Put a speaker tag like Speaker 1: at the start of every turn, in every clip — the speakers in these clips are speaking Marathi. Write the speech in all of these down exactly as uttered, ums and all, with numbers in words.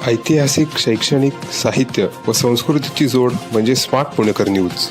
Speaker 1: ऐतिहासिक, शैक्षणिक, साहित्य व संस्कृतीची जोड म्हणजे स्मार्ट पुणेकर न्यूज।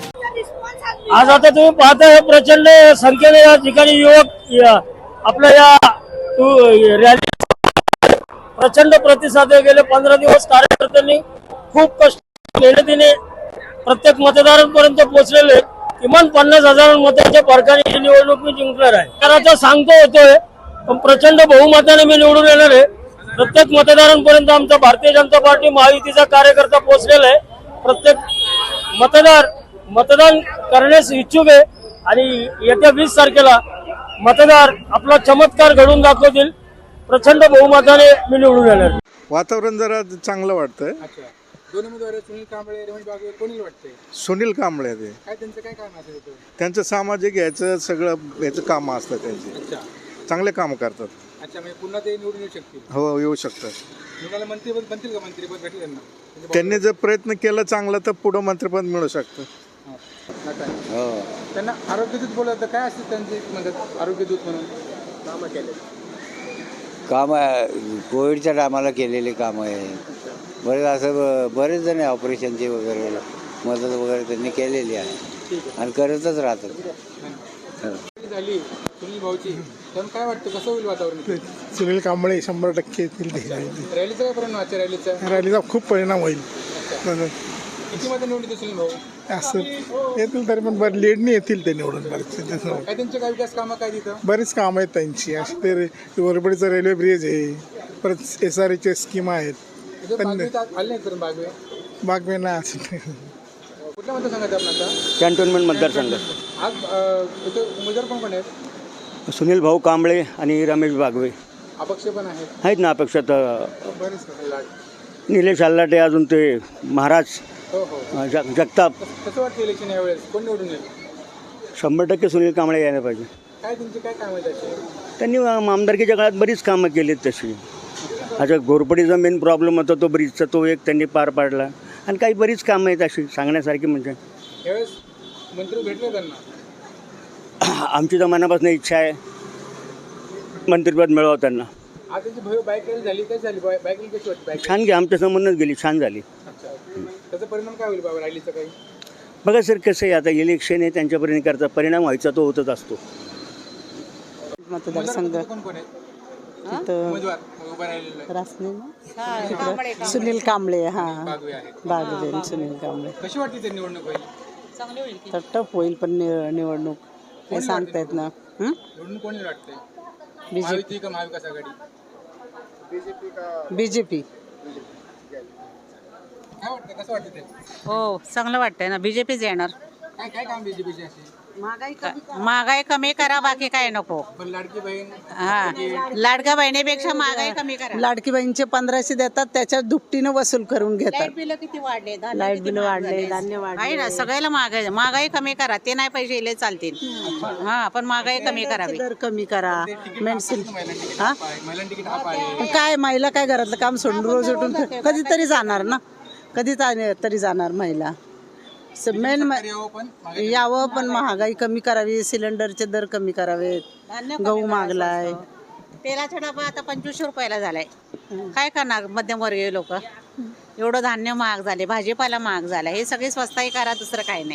Speaker 2: आज आता तुम्ही पाहता हे प्रचंड संख्येने या ठिकाणी युवक या- आपल्या या रॅली प्रचंड प्रतिसाद आहे। गेले पंधरा दिवस कार्यकर्त्यांनी खूप कष्ट मेहनतीने प्रत्येक मतदारांपर्यंत पोहोचलेले किमान पन्नास हजार मतांच्या फरकाने ही निवडणूक मी जिंकणार आहे। तर आता सांगतो होतोय पण प्रचंड बहुमताने मी निवडून येणार आहे। प्रत्येक मतदारांपर्यंत आमचा भारतीय जनता पार्टी महायुतीचा कार्यकर्ता पोहोचलेला आहे। प्रत्येक मतदार मतदान करण्यास इच्छुक आहे आणि येत्या वीस तारखेला मतदार आपला चमत्कार घडवून दाखवतील। प्रचंड बहुमताने मी निवडून येणार।
Speaker 3: वातावरण जरा चांगलं वाटतंय।
Speaker 4: अच्छा, दोन उमेदवार सुनील कांबळे रमेश बागवे कोणी वाटते?
Speaker 3: सुनील कांबळे ते
Speaker 4: काय त्यांचं काय काम असेल होतं?
Speaker 3: त्यांचं सामाजिक याचं सगळं याचं काम असतं त्यांचे,
Speaker 4: अच्छा
Speaker 3: चांगले काम करतात।
Speaker 4: अच्छा, म्हणजे पुन्हा ते निवडून येऊ शकतील?
Speaker 3: हो, येऊ शकतात।
Speaker 4: निवडायला मंत्रीपद बनतील का? मंत्रीपद भेटेल त्यांना? म्हणजे
Speaker 3: त्यांनी जर प्रयत्न केला चांगला तर पुढं मंत्रिपद मिळू शकतं।
Speaker 4: हां. हो. त्यांना आरोग्यदूत बोलत काय असते त्यांचे म्हणतात आरोग्यदूत म्हणून कामं केले?
Speaker 5: काम कोविडच्या टायमाला केलेले कामं आहे। बरेच असं ब- बरेच जण ऑपरेशनचे वगैरे मदत वगैरे त्यांनी केलेली आहे आणि करतच राहतात। हो.
Speaker 4: झाली सुनील भाऊची, तर काय वाटतं कसं होईल वातावरण?
Speaker 6: सुनील कांबळे शंभर टक्के येतील ते
Speaker 4: रॅलीचा काय परिणाम आजच्या रॅलीचा?
Speaker 6: रॅलीचा खूप परिणाम होईल।
Speaker 4: किती मध्ये निवडून येते सुनील भाऊ?
Speaker 6: असं येतील तरी पण बरं लेडनी येतील ते निवडून बरेच
Speaker 4: काय त्यांचे काय विकास कामं काय तिथं?
Speaker 6: बरीच कामं आहेत त्यांची। अशी ते वरबडीचं रेल्वे ब्रिज आहे, परत एस आर एच्या स्कीम आहेत।
Speaker 4: तिथे बागवे तर आले नाहीत करून बागवे
Speaker 6: बागवे ना असं
Speaker 4: कुठल्या मतदारसंघात आहे आपण आता?
Speaker 7: कॅन्टोन्मेंट मतदारसंघ।
Speaker 4: आज अं, इथे उमेदवार कोण कोण आहेत?
Speaker 7: सुनील भाऊ कांबळे आणि रमेश बागवे
Speaker 4: अपक्ष पण आहेत
Speaker 7: आहेत ना अपेक्षात।
Speaker 4: बरेच लाट.
Speaker 7: निलेश आल्लाटे, अजून ते महाराज
Speaker 4: हो हो
Speaker 7: अ, जग जगताप।
Speaker 4: कसं वाटतं इलेक्शन यावेळेस कोण निवडून येईल?
Speaker 7: शंभर टक्के सुनील कांबळे यायला पाहिजे।
Speaker 4: काय त्यांची काय काम आहे त्याची?
Speaker 7: त्यांनी अ, आमदारकीच्या काळात बरीच कामं केलीत तशी। अच्छा, घोरपडीचा मेन प्रॉब्लेम होता तो ब्रिजचा, तो एक त्यांनी पार पाडला आणि काही बरीच कामं आहेत अशी सांगण्यासारखी। म्हणजे
Speaker 4: यावेळेस मंत्री भेटले त्यांना?
Speaker 7: आमची तर मनापासून इच्छा आहे मंत्रिपद मिळावं त्यांना।
Speaker 4: आज त्यांची भव्य बाईक रॅली झाली, कशी झाली बाईक रॅली? कशी वाटते बाईक?
Speaker 7: छान गे आमच्या समोरच गेली, छान झाली।
Speaker 4: अच्छा, त्याचा परिणाम काय होईल बाबा रॅलीचा काही?
Speaker 7: बघा सर, कसं आहे आता इलेक्शन आहे, त्यांच्यापर्यंत करता परिणाम व्हायचा तो होतच असतो।
Speaker 8: मतदारसंघ
Speaker 4: उमेदवार कोण कोण आहेत?
Speaker 8: तिथं
Speaker 4: उमेदवार उभा राहिलेला
Speaker 8: रासने सुनील कांबळे हा
Speaker 4: बागवे आहेत.
Speaker 8: बागवे सुनील कांबळे
Speaker 4: कशी वाटते ते निवडणूक होईल?
Speaker 8: तर टफ होईल पण नि- निवडणूक हे सांगता येत ना। हं?
Speaker 4: निवडणूक कोणी वाटते?
Speaker 8: बीजेपी
Speaker 4: महायुती का महाविकास आघाडी?
Speaker 8: बीजेपी
Speaker 4: काय वाटतं कसं वाटतं ते?
Speaker 9: हो, चांगलं वाटतंय ना। बीजेपीच येणार।
Speaker 4: काय काय काम बीजेपीचे असे?
Speaker 9: महागाई कमी करा, बाकी काय नको।
Speaker 4: पण लाडकी बहीण
Speaker 9: हा, लाडक्या बहिणीपेक्षा महागाई कमी करा।
Speaker 8: लाडकी बहिणीचे पंधराशे देतात, त्याच्या दुपटीनं वसूल करून घेतात।
Speaker 9: लाईट बिल किती वाढले?
Speaker 8: लाईट बिल वाढले, धान्य
Speaker 9: आहे
Speaker 8: वाढले।
Speaker 9: ना, सगळ्याला महागाई महागाई कमी करा। ते नाही पैसे इले चालतील, हा, पण महागाई कमी करावी।
Speaker 8: दर कमी करा। मेडिसिन हा
Speaker 4: महिलांना तिकीट हाफ आहे.
Speaker 8: काय महिला काय घरातलं काम सोडून रोज उठून कधीतरी जाणार ना, कधी तरी जाणार महिला। मेन
Speaker 4: यावं पण
Speaker 8: यावं पण महागाई कमी करावी, सिलेंडरचे दर कमी करावेत,
Speaker 9: धान्य
Speaker 8: गहू मागलाय,
Speaker 9: तेलाचा डबा आता पंचवीसशे रुपयाला झालाय। काय करणार मध्यमवर्गीय लोक? एवढं धान्य महाग झाले, भाजीपाला महाग झाला, हे सगळे स्वस्ताही करा, दुसरं काही नाही।